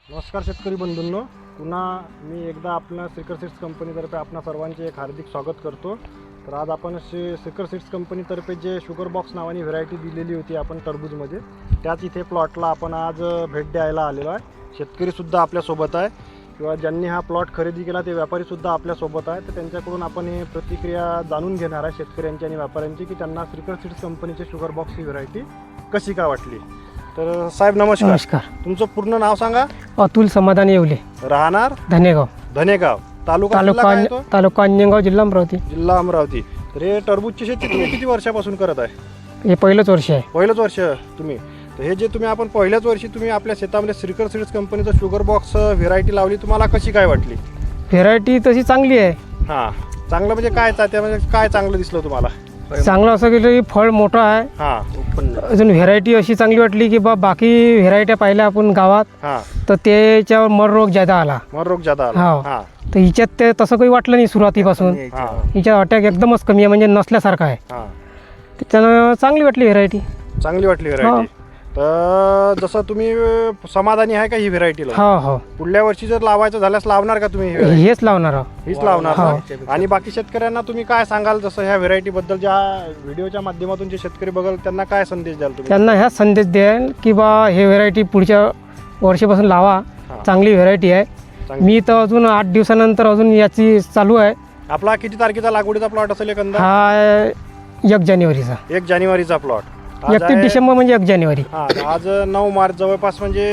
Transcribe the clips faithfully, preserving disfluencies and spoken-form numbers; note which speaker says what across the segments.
Speaker 1: नमस्कार शेतकरी बंधूंनो, पुन्हा मी एकदा आपल्या श्रीकर सीड्स कंपनीतर्फे आपणा सर्वांचे एक हार्दिक स्वागत करतो। तर आज आपण श्री श्रीकर सीड्स कंपनीतर्फे जे शुगर बॉक्स नावानी व्हरायटी दिलेली होती आपण टरबूजमध्ये, त्याच इथे प्लॉटला आपण आज भेट द्यायला आलेलो आहे। शेतकरीसुद्धा आपल्यासोबत आहे किंवा ज्यांनी हा प्लॉट खरेदी केला ते व्यापारीसुद्धा आपल्यासोबत आहे। तर त्यांच्याकडून आपण हे प्रतिक्रिया जाणून घेणार आहे शेतकऱ्यांची आणि व्यापाऱ्यांची की त्यांना श्रीकर सीड्स कंपनीचे शुगर बॉक्स ही व्हरायटी कशी का वाटली। तर साहेब नमस्कार।
Speaker 2: नमस्कार।
Speaker 1: तुमचं पूर्ण नाव सांगा।
Speaker 2: अतुल समाधान येवले,
Speaker 1: राहणार
Speaker 2: धनेगाव,
Speaker 1: धनेगाव तालुका जिल्हा काय
Speaker 2: तालुका
Speaker 1: तो?
Speaker 2: तालुका अंजनगाव, जिल्हा अमरावती।
Speaker 1: जिल्हा अमरावती। तर हे टरबूजची शेती तुम्ही किती वर्षापासून करत आहे?
Speaker 2: हे पहिलंच वर्ष आहे।
Speaker 1: पहिलंच वर्ष तुम्ही। तर हे जे तुम्ही आपण पहिल्याच वर्षी तुम्ही आपल्या शेतामध्ये श्रीकर सीड्स कंपनीचं शुगर बॉक्स व्हेरायटी लावली, तुम्हाला कशी काय वाटली?
Speaker 2: व्हेरायटी तशी चांगली आहे।
Speaker 1: हां, चांगलं म्हणजे काय त्यामध्ये काय चांगलं दिसलं तुम्हाला?
Speaker 2: चांगलं असं केलं की फळ मोठं आहे।
Speaker 1: हां,
Speaker 2: अजून व्हेरायटी अशी चांगली वाटली की बा बाकी व्हेरायट्या पाहिल्या आपण गावात,
Speaker 1: हां,
Speaker 2: तर त्याच्यावर मर रोग जादा आला।
Speaker 1: मर रोग जादा आला।
Speaker 2: हो।
Speaker 1: हां,
Speaker 2: तर हिच्यात ते तसं काही वाटलं नाही सुरुवातीपासून।
Speaker 1: हां,
Speaker 2: हिच्या अटॅक एकदमच कमी आहे, म्हणजे नसल्यासारखा आहे।
Speaker 1: हां,
Speaker 2: त्याच्यानं चांगली वाटली व्हेरायटी।
Speaker 1: चांगली वाटली व्हेरायटी। तर जसं तुम्ही समाधानी आहे का ही व्हेरायटीला?
Speaker 2: हो हो,
Speaker 1: पुढल्या वर्षी जर लावायचं झाल्यास लावणार का तुम्ही ही variety?
Speaker 2: हेच लावणार आहोत।
Speaker 1: हीच लावणार
Speaker 2: हो।
Speaker 1: ना? आणि बाकी शेतकऱ्यांना तुम्ही काय सांगाल, जसं ह्या व्हेरायटी बद्दल ज्या व्हिडिओच्या माध्यमातून जे शेतकरी बघाल त्यांना काय संदेश द्याल तुम्ही?
Speaker 2: त्यांना ह्याच संदेश द्याल की बा हे व्हेरायटी पुढच्या वर्षीपासून लावा, चांगली व्हेरायटी आहे।
Speaker 1: चांगली.
Speaker 2: मी तर अजून आठ दिवसानंतर अजून याची चालू आहे।
Speaker 1: आपला किती तारखेचा लागवडीचा प्लॉट असेल एकंदर?
Speaker 2: हा एक जानेवारीचा,
Speaker 1: एक जानेवारीचा प्लॉट।
Speaker 2: एकतीस डिसेंबर म्हणजे एक जानेवारी।
Speaker 1: हा, आज नऊ मार्च, जवळपास म्हणजे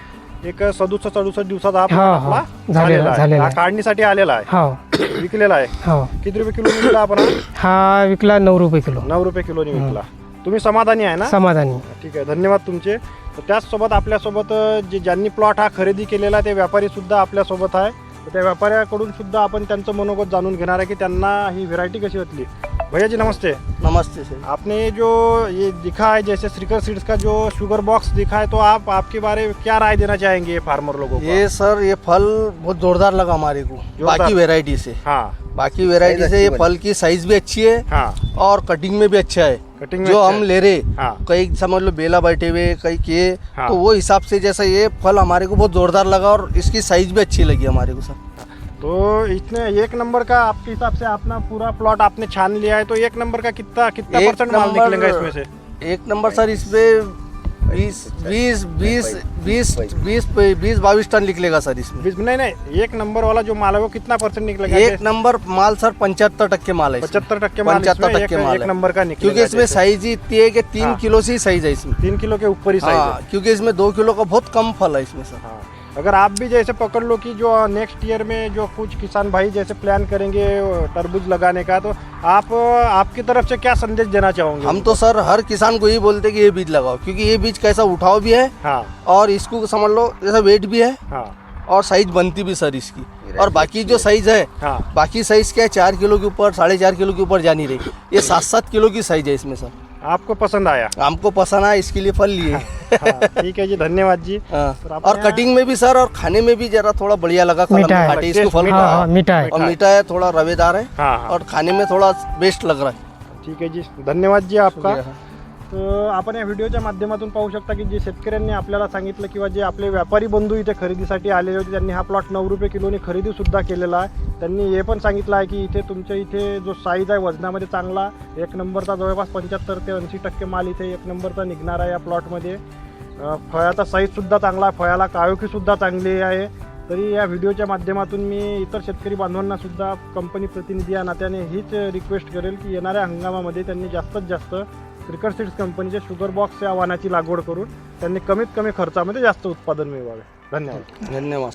Speaker 1: एक सदुसष्ट सदुसष्ट दिवसात हा
Speaker 2: हो,
Speaker 1: plot
Speaker 2: हो.
Speaker 1: आपला
Speaker 2: झालेला-
Speaker 1: झालेला आहे.
Speaker 2: झालेला
Speaker 1: हा
Speaker 2: आहे.
Speaker 1: काढणीसाठी आलेला आहे,
Speaker 2: हो
Speaker 1: विकलेला आहे।
Speaker 2: हो।
Speaker 1: किती रुपये किलो विकला आपण?
Speaker 2: हा विकला नऊ रुपये किलो।
Speaker 1: नऊ रुपये किलोनी विकला। तुम्ही समाधानी आहे ना?
Speaker 2: समाधानी।
Speaker 1: ठीक आहे, धन्यवाद तुमचे। तर त्याचसोबत आपल्यासोबत जे ज्यांनी प्लॉट हा खरेदी केलेला ते व्यापारी सुद्धा आपल्यासोबत आहे। तर त्या व्यापाऱ्याकडून सुद्धा आपण त्यांचं मनोगत जाणून घेणार आहे की त्यांना ही व्हेरायटी कशी वाटली। भैया जी नमस्ते।
Speaker 3: नमस्ते सर।
Speaker 1: आपने जो ये दिखा है, जैसे श्रीकर सीड्स का जो शुगर बॉक्स दिखा है, तो आप आपके बारे में क्या राय देना चाहेंगे फार्मर लोगों को?
Speaker 3: ये सर ये फल बहुत जोरदार लगा हमारे को
Speaker 1: जोरदार।
Speaker 3: बाकी वैरायटी से।
Speaker 1: हाँ,
Speaker 3: बाकी वैरायटी से ये फल की साइज भी अच्छी है
Speaker 1: हाँ,
Speaker 3: और कटिंग में भी अच्छा है।
Speaker 1: कटिंग में
Speaker 3: जो
Speaker 1: अच्छा
Speaker 3: हम
Speaker 1: है।
Speaker 3: ले रहे,
Speaker 1: हाँ,
Speaker 3: कई समझ लो बेला बैठे हुए कई किए,
Speaker 1: हाँ।
Speaker 3: तो वो हिसाब से जैसा ये फल हमारे को बहुत जोरदार लगा और इसकी साइज भी अच्छी लगी हमारे को सर।
Speaker 1: तो इतने एक नंबर का आपके हिसाब से अपना पूरा प्लॉट आपने छान लिया है, तो एक नंबर का कितना कितना
Speaker 3: एक
Speaker 1: परसेंट माल
Speaker 3: नंबर-
Speaker 1: निकलेगा इसमें से?
Speaker 3: एक नंबर सर इसमें बीस बीस बीस बीस बीस बीस बाईस टन निकलेगा सर इसमें।
Speaker 1: बीस नहीं नहीं, एक नंबर वाला जो माल है वो कितना परसेंट निकलेगा?
Speaker 3: एक नंबर माल सर पंचहत्तर टक्के माल है इसमें।
Speaker 1: पचहत्तर टक्के माल
Speaker 3: पचहत्तर
Speaker 1: इसमें
Speaker 3: टक्के
Speaker 1: एक,
Speaker 3: माल
Speaker 1: एक
Speaker 3: है।
Speaker 1: नंबर का निकलेगा।
Speaker 3: क्योंकि इसमें
Speaker 1: जैसे
Speaker 3: साइज ही इतनी है कि तीन
Speaker 1: हाँ।
Speaker 3: किलो से ही साइज है इसमें।
Speaker 1: तीन किलो के ऊपर ही साइज
Speaker 3: हाँ,
Speaker 1: है।
Speaker 3: क्योंकि इसमें दो किलो का बहुत कम फल है इसमें सर।
Speaker 1: हाँ, अगर आप भी जैसे पकड़ लो कि जो नेक्स्ट ईयर में जो कुछ किसान भाई जैसे प्लान करेंगे तरबूज लगाने का, तो आप आपकी तरफ से क्या संदेश देना चाहोगे?
Speaker 3: हम तो सर हर किसान को यही बोलते कि ये बीज लगाओ, क्योंकि ये बीज कैसा उठाव भी है
Speaker 1: हाँ,
Speaker 3: और इसको समझ लो जैसा वेट भी है
Speaker 1: हाँ,
Speaker 3: और साइज बनती भी सर इसकी। और बाकी जो साइज है,
Speaker 1: हाँ,
Speaker 3: बाकी साइज क्या है, चार किलो के ऊपर साढ़े चार किलो के ऊपर जा नहीं रही, ये सात सात किलो की साइज है इसमें सर।
Speaker 1: आपको पसंद आया?
Speaker 3: हमको पसंद आया, इसके लिए फल लिए।
Speaker 1: हाँ, ठीक है जी, धन्यवाद जी।
Speaker 3: हाँ।
Speaker 1: सर, आपने
Speaker 3: और कटिंग में भी सर और खाने में भी जरा थोड़ा बढ़िया लगा। कलम
Speaker 2: मीठा है।
Speaker 3: खाटे इसको फल
Speaker 1: मीठा
Speaker 2: हाँ हाँ, मीठा है।
Speaker 3: और मीठा है, थोड़ा रवेदार है
Speaker 1: हाँ, हाँ,
Speaker 3: और खाने में थोड़ा बेस्ट लग रहा है।
Speaker 1: ठीक आहे जी, धन्यवाद जी आपका।
Speaker 3: शुक्रिया।
Speaker 1: तर आपण या व्हिडिओच्या माध्यमातून पाहू शकता की जे शेतकऱ्यांनी आपल्याला सांगितलं किंवा जे आपले व्यापारी बंधू इथे खरेदीसाठी आलेले होते, त्यांनी हा प्लॉट नऊ रुपये किलोने खरेदीसुद्धा केलेला आहे। त्यांनी हे पण सांगितलं आहे की इथे तुमच्या इथे जो साईज आहे वजनामध्ये चांगला एक नंबरचा, जवळपास पंच्याहत्तर ते ऐंशी टक्के माल इथे एक नंबरचा निघणार आहे या प्लॉटमध्ये। अ, फळाचा साईजसुद्धा चांगला आहे, फळाला काळोखीसुद्धा चांगली आहे। तरी या व्हिडिओच्या माध्यमातून मी इतर शेतकरी बांधवांना सुद्धा कंपनी प्रतिनिधी या नात्याने हीच रिक्वेस्ट करेल की येणाऱ्या हंगामामध्ये त्यांनी जास्तीत जास्त श्रीकर सीड्स कंपनीचे शुगर बॉक्स या वाहनाची लागवड करून त्यांनी कमीत कमी खर्चामध्ये जास्त उत्पादन मिळवावे। धन्यवाद।
Speaker 3: धन्यवाद।